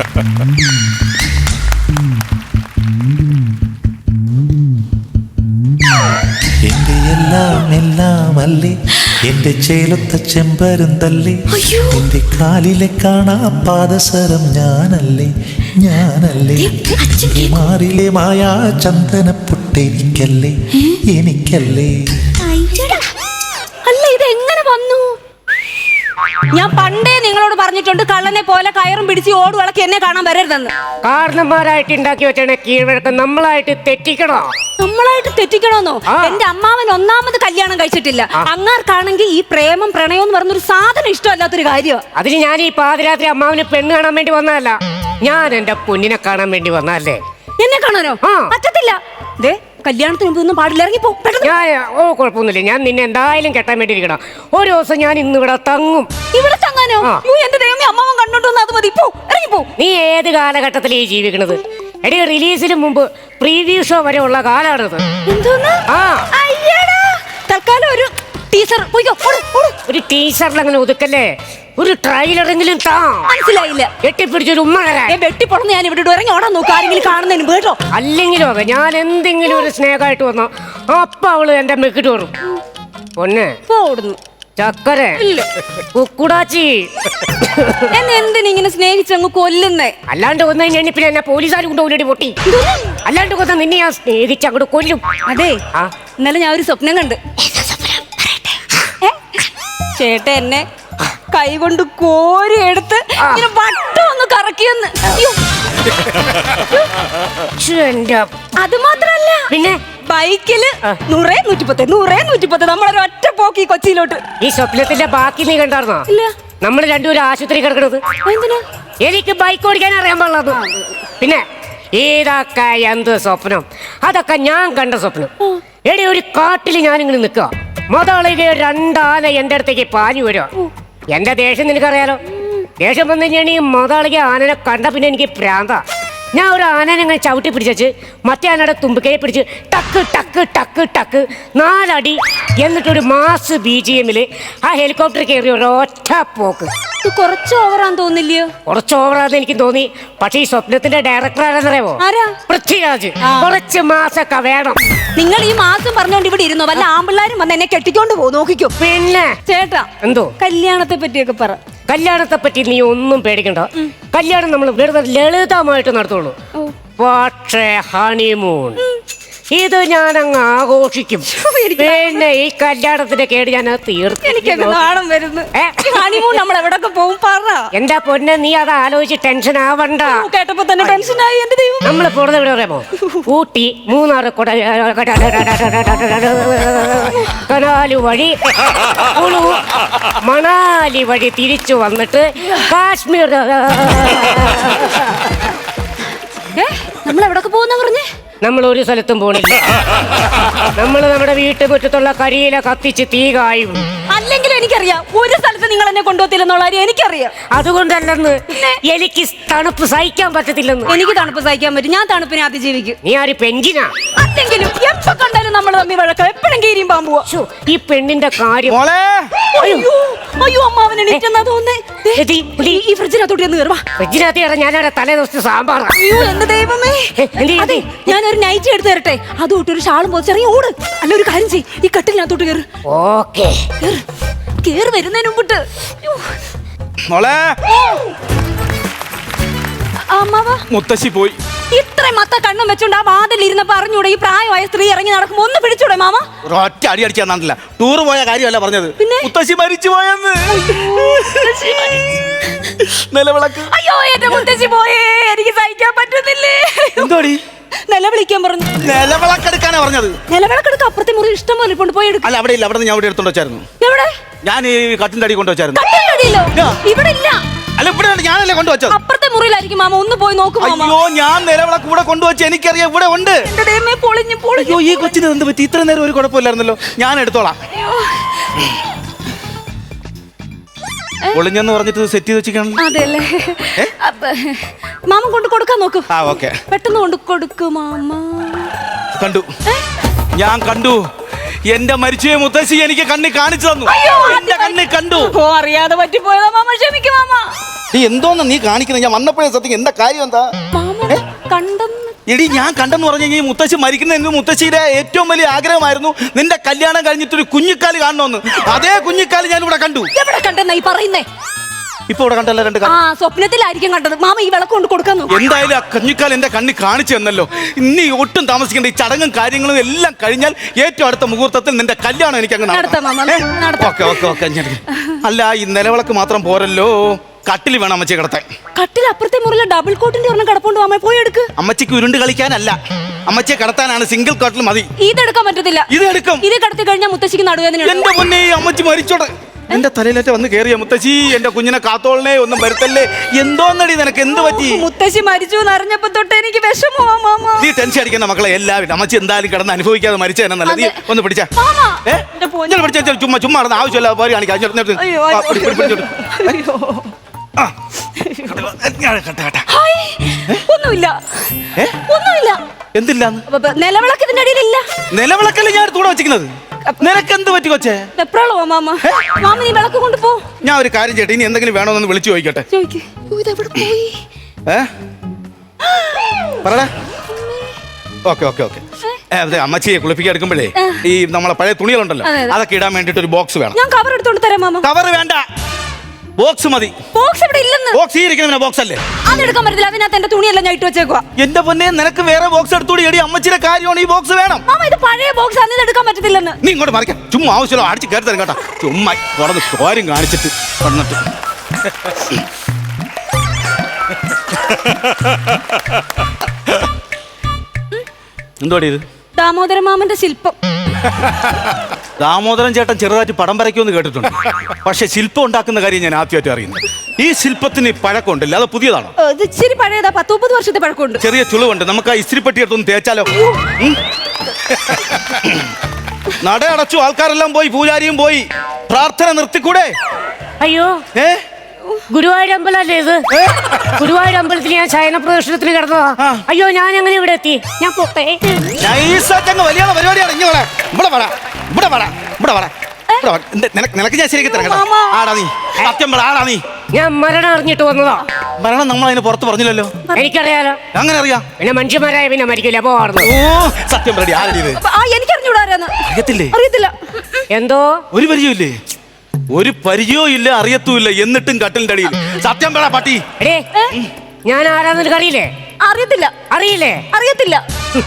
എന്റെ എല്ലാം എല്ലാം അല്ലേ, എന്റെ ചേലത്ത ചെമ്പരുന്തല്ലേ, എന്റെ കാലിലെ കാണാ പാദസരം ഞാനല്ലേ, ഞാനല്ലേ, മാറിലെ മായാ ചന്ദനപ്പൊട്ടെനിക്കല്ലേ, എനിക്കല്ലേ. അല്ല, ഇത് എങ്ങനെ വന്നു? ഞാൻ പണ്ടേ നിങ്ങളോട് പറഞ്ഞിട്ടുണ്ട്, കള്ളനെ പോലെ കയറും പിടിച്ച് ഓടുവിളക്കി എന്നെ കാണാൻ വരരുതെന്ന്. കാരണന്മാരായിട്ട് ഉണ്ടാക്കി വെച്ചാണ് കീഴ്വഴക്കം. നമ്മളായിട്ട് തെറ്റിക്കണോ? നമ്മളായിട്ട് തെറ്റിക്കണോന്നോ? എന്റെ അമ്മാവൻ ഒന്നാമത് കല്യാണം കഴിച്ചിട്ടില്ല. അങ്ങാർക്കാണെങ്കിൽ ഈ പ്രേമം പ്രണയം എന്ന് പറഞ്ഞൊരു സാധനം ഇഷ്ടമല്ലാത്തൊരു കാര്യം. അതിന് ഞാൻ ഈ പാതിരാത്രി അമ്മാവന് പെണ്ണ് കാണാൻ വേണ്ടി വന്നതല്ല, ഞാൻ എന്റെ പൊന്നിനെ കാണാൻ വേണ്ടി വന്നതല്ലേ. എന്നെ കാണാനോ? പറ്റത്തില്ല. ദേ, കല്യാണത്തിന് മുമ്പ് ഒന്നും പാടില്ല, ഇറങ്ങിപ്പോ. കുഴപ്പമൊന്നുമില്ല, ഞാൻ നിന്നെ എന്തായാലും കെട്ടാൻ വേണ്ടി ഇരിക്കണം. ഒരു ദിവസം ഞാൻ ഇന്ന് ഇവിടെ തങ്ങും. ഇവിടെ തങ്ങാനോ? എന്റെ ദൈവമേ, അമ്മാവൻ കണ്ടോണ്ടോന്ന് അത് മതി. ഇറങ്ങിപ്പോ. നീ ഏത് കാലഘട്ടത്തിലേ ജീവിക്കണത്? എടി, റിലീസിന് മുമ്പ് പ്രീവ്യൂ ഷോ വരെ ഉള്ള കാലാണിത്. തൽക്കാലം ഒരു ടീച്ചർ ഒരു ടീച്ചറിൽ അങ്ങനെ ഒതുക്കല്ലേ, ഒരു ട്രailer-എങ്കിലും താ. മനസ്സിലായില്ല. കെട്ടിപ്പിടിച്ചൊരു ഉമ്മ വെട്ടിപ്പൊളന്ന് ഞാൻ ഇവിടെ ഇറങ്ങി ഓടാൻ നോക്കാം, ആരെങ്കിലും കാണുന്നതിന് കേട്ടോ. അല്ലെങ്കിലും അതെ, ഞാൻ എന്തെങ്കിലും ഒരു സ്നേഹമായിട്ട് വന്നോ അപ്പൊ അവള് എന്റെ മെക്കിട്ട് വരും. പൊന്നെ ഓടുന്നു ചക്കര കുക്കുടാച്ചി. എന്നെ എന്തിനിങ്ങനെ സ്നേഹിച്ചങ്ങ് കൊല്ലുന്നേ? അല്ലാണ്ട് കൊന്നു കഴിഞ്ഞാൽ പിന്നെ എന്നെ പോലീസുകാർ കൊണ്ട് ഓടി പൊട്ടി. അല്ലാണ്ട് കൊന്ന നിന്നെ ഞാൻ സ്നേഹിച്ച് അങ്ങോട്ട് കൊല്ലും. അതെ, ഇന്നലെ ഞാൻ ഒരു സ്വപ്നം കണ്ട്. ചേട്ട എന്നെ കൈ കൊണ്ട് കോരി എടുത്ത് ഇങ്ങനെ വട്ടം ഒന്ന് കറക്കിയെന്ന്. അത് മാത്രല്ല, പിന്നെ ബൈക്കില് 100-110 നമ്മളൊരൊറ്റ പോക്കി കൊച്ചിയിലോട്ട്. ഈ സ്വപ്നത്തിന്റെ ബാക്കി നീ കണ്ടായിരുന്നോ? ഇല്ല. നമ്മൾ രണ്ടുപേരും ആശുപത്രി കിടക്കണത്. എനിക്ക് ബൈക്ക് ഓടിക്കാൻ അറിയാൻ പാടില്ല. പിന്നെ ഇതൊക്കെ എന്ത് സ്വപ്നം? അതൊക്കെ ഞാൻ കണ്ട സ്വപ്നം. എടി, ഒരു കാട്ടിൽ ഞാനിങ്ങനെ നിൽക്കുക, മുതളിക 2 ആന എന്റെ അടുത്തേക്ക് പാഞ്ഞു വരിക. എന്റെ ദേഷ്യം നിനക്കറിയാലോ. ദേഷ്യം വന്നു കഴിഞ്ഞാൽ ഈ മുതളിക ആനനെ കണ്ട പിന്നെ എനിക്ക് പ്രാന്ത. ഞാൻ ഒരു ആനനെ ഇങ്ങനെ ചവിട്ടി പിടിച്ചു, മറ്റേ ആനയുടെ തുമ്പിക്കൈ പിടിച്ച് ടക്ക് ടക്ക് ടക്ക് ടക്ക് 4 അടി, എന്നിട്ടൊരു മാസ് BGM-ൽ ആ ഹെലികോപ്റ്റർ കയറി ഒരൊറ്റ പോക്ക്. കുറച്ച് ഓവറാന്ന് തോന്നില്ലയോ? കുറച്ച് ഓവറാന്ന് എനിക്ക് തോന്നി. പക്ഷെ ഈ സ്വപ്നത്തിന്റെ ഡയറക്ടർ ആരെന്നറിയാമോ? പൃഥ്വിരാജ്. കുറച്ച് മാസമൊക്കെ വേണം. നിങ്ങൾ ഈ മാസം പറഞ്ഞോണ്ട് ഇവിടെ ഇരുന്നോ? വല്ല ആമ്പിള്ളാരും വന്ന് എന്നെ കെട്ടിക്കൊണ്ട് പോകും, നോക്കിക്കോ. പിന്നെ ചേട്ടാ, എന്തോ കല്യാണത്തെ പറ്റിയൊക്കെ പറ. കല്യാണത്തെ പറ്റി നീ ഒന്നും പേടിക്കണ്ട. കല്യാണം നമ്മൾ വെറുതെ ലളിതമായിട്ട് നടത്തുള്ളൂ. പക്ഷേ ഹണിമൂൺ ഇത് ഞാനങ്ങ് ആഘോഷിക്കും. പിന്നെ ഈ കല്യാണത്തിന്റെ കേട് ഞാൻ തീർച്ചയായും വരുന്നു. ഹണിമൂൺ നമ്മൾ എവിടൊക്കെ പോകും പറ. എന്റെ പൊന്നെ, നീ അത് ആലോചിച്ച് ടെൻഷൻ ആവണ്ട. കേട്ടപ്പോ തന്നെ ടെൻഷനായി. എന്റെ ദൈവം, നമ്മൾ പോകുന്നത് എവിടെ പറയാമോ? ഊട്ടി, മൂന്നാർ, കനാല് വഴി കുളു, മണാലി വഴി തിരിച്ചു വന്നിട്ട് കാശ്മീർ. നമ്മൾ എവിടൊക്കെ പോകുന്ന പറഞ്ഞേ? നമ്മൾ ഒരു സ്ഥലത്തും പോണില്ല. നമ്മൾ നമ്മുടെ വീട്ടുമുറ്റത്തുള്ള കരിയില കത്തിച്ച് തീ കായും. അല്ലെങ്കിലും എനിക്കറിയാം, ഒരു സ്ഥലത്ത് നിങ്ങൾ എന്നെ കൊണ്ടുപോകത്തില്ലെന്നുള്ള കാര്യം എനിക്കറിയാം. അതുകൊണ്ടല്ലെന്ന്, എനിക്ക് തണുപ്പ് സഹിക്കാൻ പറ്റത്തില്ലെന്ന്. എനിക്ക് തണുപ്പ് സഹിക്കാൻ പറ്റും. ഞാൻ തണുപ്പിനെ അതിജീവിക്കും. നീ ആര് പെഞ്ചിനാ? അല്ലെങ്കിലും എപ്പോ കണ്ടാലും നമ്മൾ തമ്മിൽ വഴക്കം, എപ്പോഴും കീരിയും പാമ്പുവാ. ഈ പെണ്ണിന്റെ കാര്യം. അയ്യോ, അമ്മാവനെ എണീറ്റെന്നാ തോന്നേ. ഈ ഫ്രിഡ്ജിനകത്തോട്ട് ഒന്ന് കയറുവാ. ഫ്രിഡ്ജിനകത്ത് ഞാനവിടെ തലേ ദിവസത്തെ സാമ്പാറാ. അയ്യോ, എന്റെ ദൈവമേ. അതെ, ഞാനൊരു നൈറ്റ് എടുത്ത് തരട്ടെ? അതുകൊണ്ട് ഒരു ഷാളും പോച്ചെറിയ ഓട്. അല്ല, ഒരു കാര്യം ചെയ്യ്, ഈ കട്ടിലിനകത്തോട്ട് കയറ്. ഓക്കേ, കേറി വരുന്നതിന് മുമ്പിട്ട്. മുത്തശ്ശി പോയി. ഇത്രയും മത്ത കണ്ണും വെച്ചോണ്ട് ആ വാതിൽ ഇരുന്നപ്പോ അറിഞ്ഞൂടെ ഈ പ്രായമായ സ്ത്രീ ഇറങ്ങി നടക്കുമ്പോ ഒന്ന് പിടിച്ചൂടെ മാമ? ഒറ്റ അടി അടിച്ചാൽ തന്നില്ല. ടൂർ പോയ കാര്യമല്ല പറഞ്ഞത്, മുത്തശ്ശി മരിച്ചു പോയെന്ന്. നിലവിളക്ക്. അയ്യോ, എന്റെ മുത്തശ്ശി പോയേ, എനിക്ക് സഹിക്കാൻ പറ്റുന്നില്ലേ. എന്തോടി? നിലവിളിക്കാൻ പറഞ്ഞു. നിലവിളക്കെടുക്കാനാ പറഞ്ഞത്. നിലവിളക്കെടുക്ക അപ്പുറത്തെ മുറി ഇഷ്ടം പോലെ കൊണ്ട് പോയി എടുക്കും. അല്ല, അവിടെ ഇല്ല. അവിടെ ഞാൻ ഇവിടെ എടുത്തോണ്ട് വെച്ചായിരുന്നു. എവിടെ? ഞാൻ ഈ കട്ടിന്റെ അടി കൊണ്ടുവച്ചായിരുന്നു. ഇവിടെ ഇല്ല. അല്ല, ഇവിടെ ഞാനല്ലേ കൊണ്ടുവച്ചത്. അപ്പുറത്തെ മുറിയിലായിരിക്കും മാമ, ഒന്ന് പോയി നോക്കും. അയ്യോ, ഞാൻ നിലവിളക്ക് ഇവിടെ കൊണ്ടുവച്ച എനിക്കറിയാം, ഇവിടെ ഉണ്ട്. അയ്യോ, ഈ കൊച്ചിന് എന്ത് പറ്റി? ഇത്ര നേരം ഒരു കുഴപ്പമില്ലായിരുന്നല്ലോ. ഞാൻ എടുത്തോളാം. ഒളിഞ്ഞെന്ന് പറഞ്ഞിട്ട് സെറ്റ് ചെയ്ത് വെച്ചിരിക്കണം. അതെല്ലേ, മാമ കൊണ്ട് കൊടുക്കാൻ നോക്കൂ. പെട്ടെന്ന് കൊണ്ട് കൊടുക്കൂ മാമ. കണ്ടു, ഞാൻ കണ്ടു. എന്റെ മരിച്ചുപോയ മുത്തശ്ശി എനിക്ക് കണ്ണി കാണിച്ചു തന്നു. എന്റെ കണ്ണി കണ്ടു. അറിയാതെ പറ്റിപ്പോയതാ മാമ, ക്ഷമിക്കും മാമ. നീ എന്തോന്ന് നീ കാണിക്കുന്നത്? ഞാൻ വന്നപ്പോഴേ സത്യം എന്താ കാര്യം എന്താ? മാമ കണ്ടെന്ന്. എടി ഞാൻ കണ്ടെന്ന് പറഞ്ഞു കഴിഞ്ഞാൽ മുത്തശ്ശി മരിക്കുന്ന മുത്തശ്ശിയുടെ ഏറ്റവും വലിയ ആഗ്രഹമായിരുന്നു നിന്റെ കല്യാണം കഴിഞ്ഞിട്ടൊരു കുഞ്ഞിക്കാല് കാണണമെന്ന്. അതേ കുഞ്ഞിക്കാല് ഞാൻ ഇവിടെ കണ്ടു. എവിടെ കണ്ടെന്നാ ഈ പറയുന്നേ? ഇപ്പൊ ഇവിടെ കണ്ടല്ലോ രണ്ട് ആ സ്വപ്നത്തിലായിരിക്കും കണ്ടത്. മാമ ഈ വിളക്ക് കൊണ്ട് കൊടുക്കാൻ നോക്ക്. എന്തായാലും ആ കുഞ്ഞിക്കാൽ എന്റെ കണ്ണി കാണിച്ചു തന്നല്ലോ. ഇനി ഒട്ടും താമസിക്കേണ്ട. ഈ ചടങ്ങും കാര്യങ്ങളും എല്ലാം കഴിഞ്ഞാൽ ഏറ്റവും അടുത്ത മുഹൂർത്തത്തിൽ നിന്റെ കല്യാണം എനിക്ക് അങ്ങ് നടത്താം മാമ, നടത്താം. ഓക്കെ. അല്ല ഈ നിലവിളക്ക് മാത്രം പോരല്ലോ, കട്ടിൽ വേണം അമ്മച്ചി കിടത്താൻ. കട്ടിൽ അപ്പുറത്തെ മുറിയിലെ ഡബിൾ കോട്ടിന്റെ ഒരെണ്ണം കിടപ്പുണ്ട് മാമ, പോയി എടുക്ക്. അമ്മച്ചിക്ക് ഉരുണ്ട് കളിക്കാനല്ല, അമ്മച്ചിയെ കിടത്താനാണ്. സിംഗിൾ കട്ടിൽ മതി. ഇതെടുക്കാൻ പറ്റത്തില്ല. ഇത് എടുക്കും. ഇത് കിടത്തി കഴിഞ്ഞാൽ മുത്തശ്ശിക്ക് നടുവേദന. എന്റെ പൊന്നെ, അമ്മച്ചി മരിച്ചോടെ. എന്റെ തലയിലേറ്റ വന്ന് കേറിയ മുത്തശ്ശി, എന്റെ കുഞ്ഞിനെ കാത്തോളനെ, ഒന്നും വരുത്തല്ലേ. എന്തോന്നടി നിനക്ക്, എന്ത് പറ്റി? മുത്തശ്ശി മരിച്ചു എന്ന് അറിഞ്ഞപ്പോ തൊട്ട് എനിക്ക് വിഷമമാ മാമ. നീ ടെൻഷൻ അടിക്കുന്ന മക്കളെ എല്ലാവരും. അമ്മച്ചി എന്തായാലും കിടന്ന് അനുഭവിക്കാതെ മരിച്ച തന്നെ നല്ലത്. നീ ഒന്ന് പിടിച്ചാ ചുമ്മാ നടന്ന് ആവശ്യമില്ല പോരി കാണിക്കാം. ഒന്നുമില്ല. എന്തില്ലാന്ന്? നിലവിളക്കത്തിന്റെ അടിയിലില്ല. നിലവിളക്കല്ലേ ഞാൻ തൂടെ വെച്ചിരിക്കുന്നത്. നിനക്ക് എന്ത് പറ്റി കൊച്ചേ? എപ്പോഴാണോ മാമ? മാമ നീ വിളക്ക് കൊണ്ടുപോ. ഞാൻ ഒരു കാര്യം ചെയ്യട്ടെ, ഇനി എന്തെങ്കിലും വേണോന്ന് വിളിച്ചു ചോദിക്കട്ടെ. പറടാ. ഓക്കെ. അതെ, അമ്മച്ചിയെ കുളിപ്പിക്കാൻ എടുക്കുമ്പോഴേ ഈ നമ്മളെ പഴയ തുണികളുണ്ടല്ലോ, അതൊക്കെ ഇടാൻ വേണ്ടിട്ട് ഒരു ബോക്സ് വേണം. ഞാൻ കവർ എടുത്തോണ്ട് തരാം മാമ. കവർ വേണ്ട, ബോക്സ് മതി. ബോക്സ് ഇവിടെ ഇല്ലെന്ന്. ബോക്സ് ഈ ഇരിക്കുന്ന ബോക്സ് അല്ലേ? അതെടുക്കാൻ പറ്റില്ല, അതിനകത്ത് എന്റെ തുണിയെല്ലാം ഞാൻ ഇട്ട് വെച്ചേക്കുവാ. എന്റെ പൊന്നെ, നിനക്ക് വേറെ ബോക്സ് എടുത്തോടി. എടി അമ്മച്ചിയുടെ കാര്യമാണ്, ഈ ബോക്സ് വേണം. മാമ ഇത് പഴയ ബോക്സ് ആണ്, ഇത് എടുക്കാൻ പറ്റത്തില്ലെന്ന്. നീ ഇങ്ങോട്ട് മറിക്കാം. ചുമ്മാ ആവശ്യമല്ലോ അടിച്ച് കയറി തരും കേട്ടോ. ചുമ്മാ തുറന്ന് കാര്യം കാണിച്ചിട്ട് വന്നിട്ട് എന്തോടി ഇത്? ദാമോദര മാമന്റെ ശില്പം. ദാമോദരൻ ചേട്ടൻ ചെറുതായിട്ട് പടം വരയ്ക്കുമെന്ന് കേട്ടിട്ടുണ്ട്. പക്ഷെ ശില്പം ഉണ്ടാക്കുന്ന കാര്യം ഞാൻ ആദ്യമായിട്ട് അറിയുന്നത്. ഈ ശില്പത്തിന് പഴക്കമുണ്ടല്ലോ, അത് പുതിയതാണോ? ഇത് ഇച്ചിരി പഴയതാ, 10-30 വർഷത്തെ പഴക്കമുണ്ട്. ചെറിയ ചുളിവുണ്ട്. നമുക്ക് ആ ഇസ്തിരിപ്പെട്ടി എടുത്തൊന്ന് തേച്ചാലോ? നട അടച്ചു, ആൾക്കാരെല്ലാം പോയി, പൂജാരിയും പോയി. പ്രാർത്ഥന നിർത്തിക്കൂടെ? അയ്യോ, ഗുരുവായൂർ അമ്പലല്ലേ ഇത്? ഗുരുവായൂർ അമ്പലത്തിൽ ഞാൻ ശയന പ്രദർശനത്തിന് കിടന്നതാ. അയ്യോ, ഞാൻ എങ്ങനെ ഇവിടെ എത്തി? ഞാൻ പോട്ടെ. വലിയ പരിപാടിയാണ്. നിനക്ക് ഞാൻ ശരിക്കും തരാം. ആടാ നീ, സത്യം പറ, ആടാ നീ. ഞാൻ മരണം അറിഞ്ഞിട്ട് വന്നതാ. മരണം നമ്മൾ അതിന് പുറത്ത് പറഞ്ഞില്ലല്ലോ. എനിക്കറിയാലോ. അങ്ങനെ അറിയാം. പിന്നെ മനുഷ്യന്മാരായ പിന്നെ മരിക്കില്ല, പോവാറുണ്ട്. ഓ സത്യം പറ, ആരടി ഇത്? എനിക്കറിഞ്ഞൂടാ. അറിയത്തില്ല. എന്തോ ഒരു പരിചയമില്ലേ? ഒരു പരിചയവും ഇല്ല, അറിയത്തുമില്ല, എന്നിട്ടും കട്ടിലിന്റെ അടിയിൽ. സത്യം പറ പട്ടി. ഞാൻ ആരാന്ന് അറിയില്ലേ? അറിയത്തില്ല.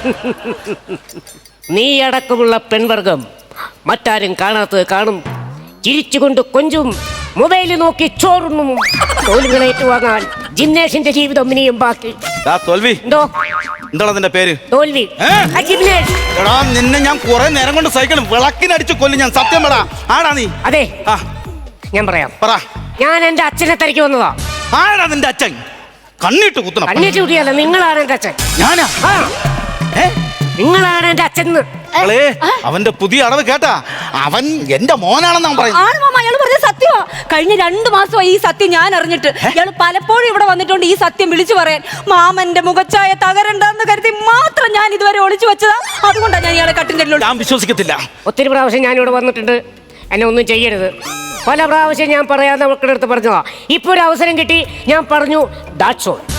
നീ അടക്കമുള്ള പെൺവർഗം മറ്റാരും കാണാത്തത് കാണും, ചിരിച്ചുകൊണ്ട് കൊഞ്ചും, മൊബൈലിൽ നോക്കി ചോറുണ്ണും. തോൽവികൾ ഏറ്റുവാങ്ങാൻ ജിംനേഷിന്റെ ജീവിതം ഇനിയും ബാക്കി. തോൽവി എന്തോ? എന്താണ് അതിന്റെ പേര്? തോൽവി. എടാ, നിന്നെ ഞാൻ കുറെ നേരം കൊണ്ട് സൈക്കിൾ വിളക്കിനടിച്ചു കൊല്ലും ഞാൻ. സത്യം പറ, ആടാ നീ? അതെ, ഞാൻ പറയാം. പറ. ഞാൻ എന്റെ അച്ഛനെ തിരക്കി വന്നതാ. ആടാ നിന്റെ അച്ഛൻ? കണ്ണിട്ട് കുത്തണം. കണ്ണിട്ട് കുട്ടിയല്ല, നിങ്ങളാണ് എന്റെ അച്ഛൻ. ഞാനാ? നിങ്ങളാണ് എന്റെ അച്ഛൻ. അവന്റെ പുതിയ അടവ് കേട്ടാ? അവൻ എന്റെ മോനാണെന്നാ പറയുന്നത്. അയാൾ പറഞ്ഞ സത്യമാ. കഴിഞ്ഞ 2 മാസമായി ഈ സത്യം ഞാൻ അറിഞ്ഞിട്ട്. ഇയാൾ പലപ്പോഴും ഇവിടെ വന്നിട്ടുണ്ട് ഈ സത്യം വിളിച്ചു പറയാൻ. മാമന്റെ മുഖച്ചായ തകരണ്ടെന്ന് കരുതി മാത്രം ഞാൻ ഇതുവരെ ഒളിച്ചു വെച്ചതാ. അതുകൊണ്ടാണ് ഞാൻ ഇയാളെ കട്ടിന്റെ. ഞാൻ വിശ്വസിക്കത്തില്ല. ഒത്തിരി പ്രാവശ്യം ഞാൻ ഇവിടെ വന്നിട്ടുണ്ട്. എന്നെ ഒന്നും ചെയ്യരുത്. പല പ്രാവശ്യം ഞാൻ പറയാതെ മക്കളുടെ അടുത്ത് പറഞ്ഞതാ. ഇപ്പൊ ഒരു അവസരം കിട്ടി, ഞാൻ പറഞ്ഞു. That's all.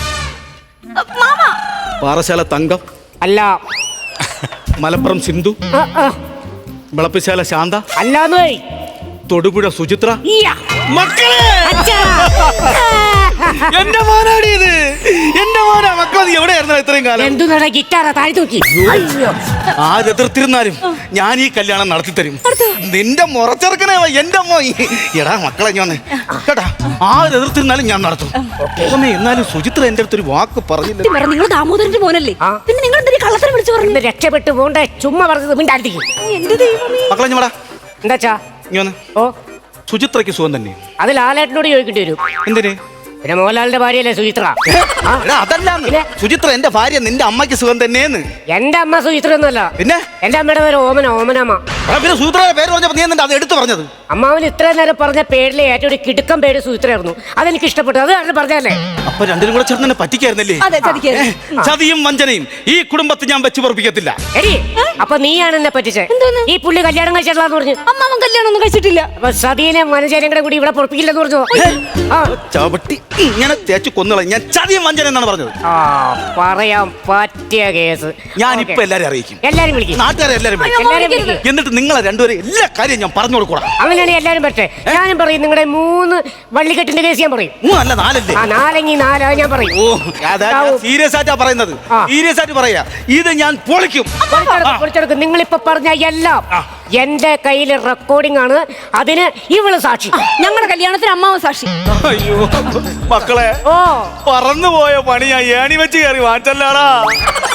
പാറശാല തങ്കം അല്ല. മലപ്പുറം സിന്ധു വിളപ്പിശാല ശാന്ത അല്ലാന്ന്. തൊടുപുഴ സുചിത്ര. മക്കളെ, എന്റെ മോനാടി ഇത്. എന്റെ മോനാ. മക്കളെ, നീ എവിടെയായിരുന്നു ഇത്രയും കാലം? എന്തു നട ഗിറ്റാറാ താഴെ തൂക്കി. ആരെതിർത്തിരുന്നാലും ഞാൻ ഈ കല്യാണം നടത്തി തരും. നിന്റെ മുറച്ചെറുക്കനെ എന്റെ അമ്മ. എടാ മക്കളെ, ഞാൻ കേട്ടാ, ആരെതിർത്തിരുന്നാലും ഞാൻ നടത്തും. എന്നാലും സുചിത്ര എന്റെ അടുത്തൊരു വാക്ക് പറഞ്ഞില്ല. നിങ്ങൾ ദാമോദരന്റെ മോനല്ലേ? പിന്നെ നിങ്ങൾ എന്തിനാ കള്ളത്തരം വിളിച്ചു പറഞ്ഞു? രക്ഷപ്പെട്ടു പോണ്ടേ, ചുമ്മാ പറഞ്ഞത് മിണ്ടായിരിക്കും. മക്കളെ ഞമ്മടാ. എന്താച്ചാ? ഓ, സുചിത്രയ്ക്ക് സുഖം തന്നെ. അത് ലാലേട്ടനോട് ചോദിക്കേണ്ടി വരും. എന്തിന്? പിന്നെ മോഹൻലാലിന്റെ ഭാര്യയല്ലേ സുചിത്ര? അതല്ല, സുചിത്ര എന്റെ ഭാര്യ, നിന്റെ അമ്മയ്ക്ക് സുഖം തന്നെയെന്ന്. എന്റെ അമ്മ സുചിത്ര ഒന്നുമല്ല. പിന്നെ എന്റെ അമ്മയുടെ പേര് ഓമനമ്മ. പിന്നെ സുചിത്രയുടെ പേര് പറഞ്ഞപ്പോ നീ എന്താ അത് എടുത്തു പറഞ്ഞത്? അമ്മാവന് ഇത്രയും നേരം പറഞ്ഞ പേരിലെ ഏറ്റവും ഒരു കിടുക്കം പേര് സുചിത്രയായിരുന്നു. അതെനിക്ക് ഇഷ്ടപ്പെട്ടു. അത് കാരണം പറഞ്ഞല്ലേ. അപ്പൊ രണ്ടിനും കൂടെ ചേർന്ന് പറ്റിക്കായിരുന്നല്ലേ? ചതിയും വഞ്ചനയും ഈ കുടുംബത്തിൽ ഞാൻ വെച്ച് പൊറപ്പിക്കത്തില്ല. എടി, അപ്പൊ നീയാണ് എന്നെ പറ്റിച്ചേ. എന്തോന്ന്? ഈ പുള്ളി കല്യാണം കഴിച്ചിട്ടില്ലാന്ന് പറഞ്ഞു. അമ്മാവൻ കല്യാണം ഒന്നും കഴിച്ചിട്ടില്ല. അപ്പൊ സതീനെ മനചേരും കൂടെ കൂടി ഇവിടെ പൊറപ്പിക്കില്ലെന്ന് പറഞ്ഞു. ആ ചവിട്ടി ഇങ്ങനെ തേച്ച് കൊന്നുകളെ ഞാൻ ചതിയും വഞ്ചന എന്നാണ് പറഞ്ഞത്. ആ പറയാൻ പറ്റിയ കേസ്. ഞാനിപ്പോ എല്ലാരും അറിയിക്കും, എല്ലാരും വിളിക്കും, നാട്ടുകാരെ എല്ലാരും അയ്യോ, വിളിക്കും. എല്ലാരും വിളിക്കും. എന്നിട്ട് നിങ്ങളെ രണ്ടുപേരും എല്ലാ കാര്യം ഞാൻ പറഞ്ഞു കൊടുക്കൂടാ. അങ്ങനെയാണ് എല്ലാരും പറ്റേ. ഞാനും പറയും നിങ്ങളുടെ 3 വള്ളിക്കെട്ടിന്റെ കേസ് ഞാൻ പറയും. 3 അല്ല 4 അല്ലേ? ആ 4 ഞാൻ പറയും. ഓ സീരിയസ് ആയിട്ടാ പറയുന്നത്, സീരിയസ് ആയിട്ട് പറയാ. ഇത് ഞാൻ പൊളിക്കും. പൊളിച്ചെടുക്കും. നിങ്ങളിപ്പോ പറഞ്ഞ എല്ലാം എന്റെ കയ്യിൽ റെക്കോർഡിംഗ് ആണ്. അതിന് ഇവള് സാക്ഷി. ഞങ്ങളുടെ കല്യാണത്തിന് അമ്മാവൻ സാക്ഷി. അയ്യോ മക്കളെ, ഓ പറന്നുപോയ പണി ഞാൻ ഏണി വെച്ച് കയറി വാങ്ങിച്ചല്ലാടാ.